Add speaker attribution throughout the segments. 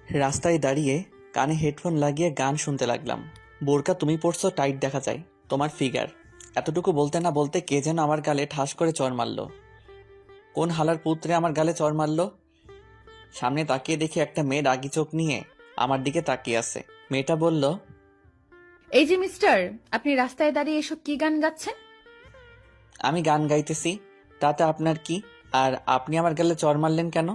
Speaker 1: রাস্তায় দাঁড়িয়ে কানে হেডফোন লাগিয়ে গান শুনতে লাগলাম। বোরকা তুমি পড়ছো, টাইট দেখা যায় তোমার ফিগার। এতটুকু বলতে না বলতে কে যেন আমার গালে ঠাস করে চড় মারল। কোন হালার পুত্রে আমার গালে চড় মারল? সামনে তাকিয়ে দেখি একটা মেয়ে রাগি চোখ নিয়ে আমার দিকে তাকিয়ে আছে। মেয়েটা বলল,
Speaker 2: এই যে মিস্টার, আপনি রাস্তায় দাঁড়িয়ে এসব কি গান গাচ্ছেন?
Speaker 1: আমি গান গাইতেছি, তাতে আপনার কি? আর আপনি আমার গালে চড় মারলেন কেন?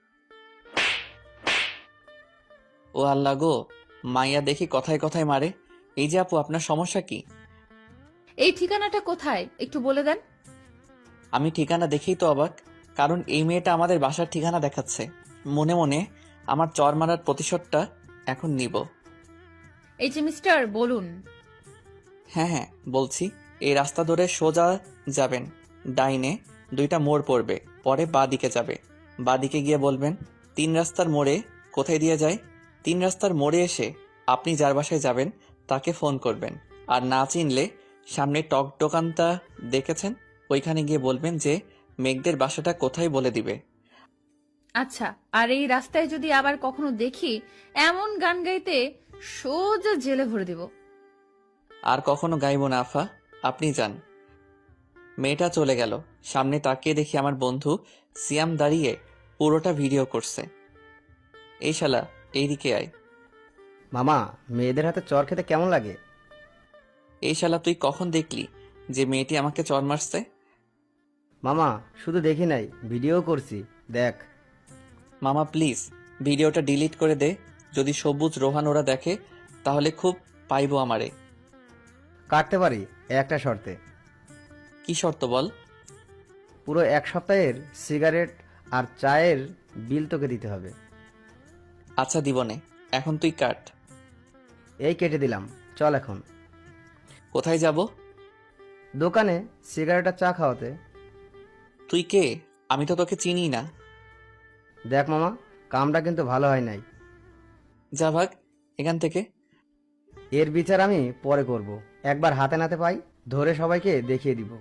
Speaker 1: ও আল্লাহ গো, মাইয়া দেখি কথায় কথায় মারে। এই যে আপু, আপনার সমস্যা কি?
Speaker 2: এই ঠিকানাটা কোথায় একটু বলে দেন।
Speaker 1: আমি ঠিকানা দেখেই তো অবাক, কারণ এই মেয়েটা আমাদের বাসার ঠিকানা দেখাচ্ছে। মনে মনে আমার চর মারার প্রতিশোধটা এখন নিব।
Speaker 2: এই যে মিস্টার, বলুন।
Speaker 1: হ্যাঁ হ্যাঁ বলছি, এই রাস্তা ধরে সোজা যাবেন, ডাইনে 2টা মোড় পড়বে, পরে বাঁ দিকে যাবে। বাঁ দিকে গিয়ে বলবেন 3 রাস্তার মোড়ে কোথায় দিয়ে যায়। 3 রাস্তার মোড়ে এসে আপনি যার বাসায় যাবেন তাকে ফোন করবেন। আর না চিনলে সামনে টক দোকানটা দেখেছেন, ওইখানে গিয়ে বলবেন যে মেঘদের বাসাটা কোথায় বলে দিবে।
Speaker 2: আচ্ছা, আর এই রাস্তায় যদি আবার কখনো দেখি এমন গান গাইতে, সোজা জেলে ভরে দেব।
Speaker 1: আর কখনো গাইব না আফা, আপনি যান। মেয়েটা চলে গেল। সামনে তাকিয়ে দেখি আমার বন্ধু সিয়াম দাঁড়িয়ে পুরোটা ভিডিও করছে। এই শালা, এইদিকে আয়।
Speaker 3: মামা, মেয়েদের হাতে চর খেতে কেমন লাগে?
Speaker 1: এই শালা, তুই কখন দেখলি যে মেয়েটি আমাকে চর মারছে?
Speaker 3: মামা, শুধু দেখি নাই, ভিডিও করছি, দেখ।
Speaker 1: মামা প্লিজ ভিডিওটা ডিলিট করে দে। যদি সবুজ রোহান ওরা দেখে তাহলে খুব পাইবো আমারে।
Speaker 3: কাটতে পারি একটা শর্তে।
Speaker 1: কি শর্ত বল?
Speaker 3: পুরো 1 সপ্তাহের সিগারেট আর চায়ের বিল তোকে দিতে হবে।
Speaker 1: আচ্ছা দিবনে, এখন তুই কাট।
Speaker 3: এই কেটে দিলাম, চল এখন।
Speaker 1: কোথায় যাব?
Speaker 3: দোকানে সিগারেট আর চা খাওয়াতে।
Speaker 1: তুই কে? আমি তো তোকে চিনি না।
Speaker 3: দেখ মামা, কামটা কিন্তু ভালো হয় নাই।
Speaker 1: যা ভাগ এখান থেকে।
Speaker 3: এর বিচার আমি পরে করব। একবার হাতে নাতে পাই, ধরে সবাইকে দেখিয়ে দিব।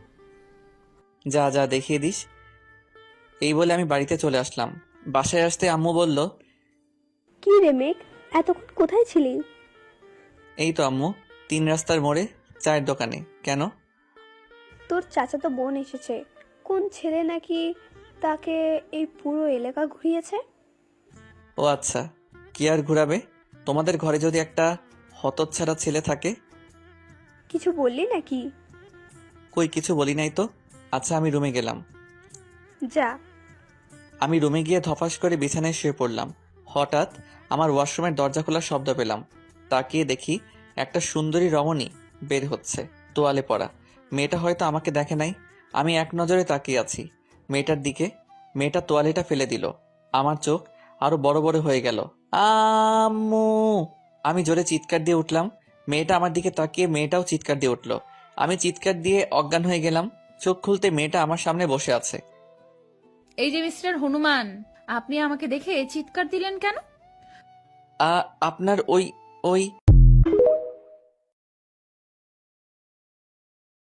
Speaker 1: যা যা দেখিয়ে দিস। এই বলে আমি বাড়িতে চলে আসলাম। বাসায় আসতে আম্মু বলল,
Speaker 4: কি রে মেঘ, এতক্ষণ কোথায় ছিলি?
Speaker 1: এই তো আম্মু, 3 রাস্তার মোড়ে চায়ের দোকানে। কেন?
Speaker 4: তোর চাচাতো বোন এসেছে। কোন ছেলে নাকি তাকে এই পুরো এলাকা ঘুরিয়েছে।
Speaker 1: ও আচ্ছা, কি আর ঘুরাবে? তোমাদের ঘরে যদি একটা হতচ্ছাড়া ছেলে থাকে।
Speaker 4: কিছু বললি নাকি?
Speaker 1: কই কিছু বলি নাই তো। আচ্ছা আমি রুমে গেলাম।
Speaker 4: যা।
Speaker 1: আমি রুমে গিয়ে ধপাস করে বিছানায় শুয়ে পড়লাম। হঠাৎ আমার ওয়াশরুমের দরজা খোলার শব্দ পেলাম। তাকিয়ে দেখি একটা সুন্দরী রমণী বের হচ্ছে, তোয়ালে পরা। মেয়েটা হয়তো আমাকে দেখে নাই। আমি এক নজরে তাকিয়ে আছি মেয়েটার দিকে। মেয়েটা তোয়ালেটা ফেলে দিল। আমার চোখ আরো বড় বড় হয়ে গেল। আম্মু! আমি জোরে চিৎকার দিয়ে উঠলাম। মেয়েটা আমার দিকে তাকিয়ে মেয়েটাও চিৎকার দিয়ে উঠল। আমি চিৎকার দিয়ে অজ্ঞান হয়ে গেলাম। চোখ খুলতে মেয়েটা আমার সামনে বসে আছে।
Speaker 2: এই যে মিস্টার হনুমান, আপনি আমাকে দেখে চিৎকার দিলেন কেন?
Speaker 1: আপনার ওই ওই